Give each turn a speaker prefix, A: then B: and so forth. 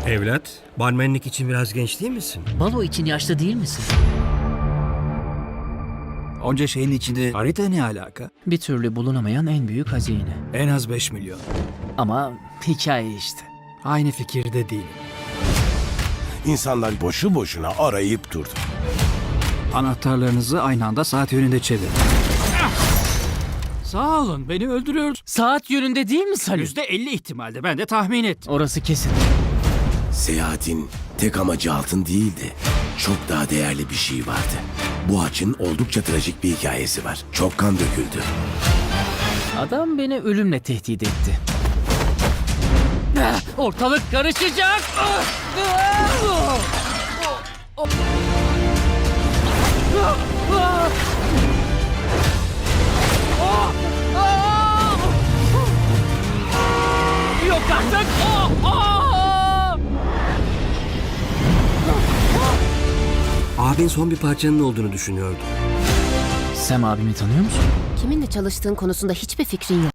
A: Evlat, barmenlik için biraz genç değil misin?
B: Balo için yaşlı değil misin?
C: Onca şeyin içinde harita ne alaka?
B: Bir türlü bulunamayan en büyük hazine.
C: En az 5 milyon.
B: Ama hikaye işte.
C: Aynı fikirde değilim.
D: İnsanlar boşu boşuna arayıp durdu.
C: Anahtarlarınızı aynı anda saat yönünde çevirin. Sağ olun, beni öldürüyor.
B: Saat yönünde değil mi Salih?
C: %50 ihtimalde, ben de tahmin et.
B: Orası kesin.
D: Seyahatin tek amacı altın değildi. Çok daha değerli bir şey vardı. Bu haçın oldukça trajik bir hikayesi var. Çok kan döküldü.
B: Adam beni ölümle tehdit etti. Ortalık karışacak. Yok artık.
A: Abin son bir parçanın olduğunu düşünüyordu.
B: Sam abimi tanıyor musun?
E: Kiminle çalıştığın konusunda hiçbir fikrin yok.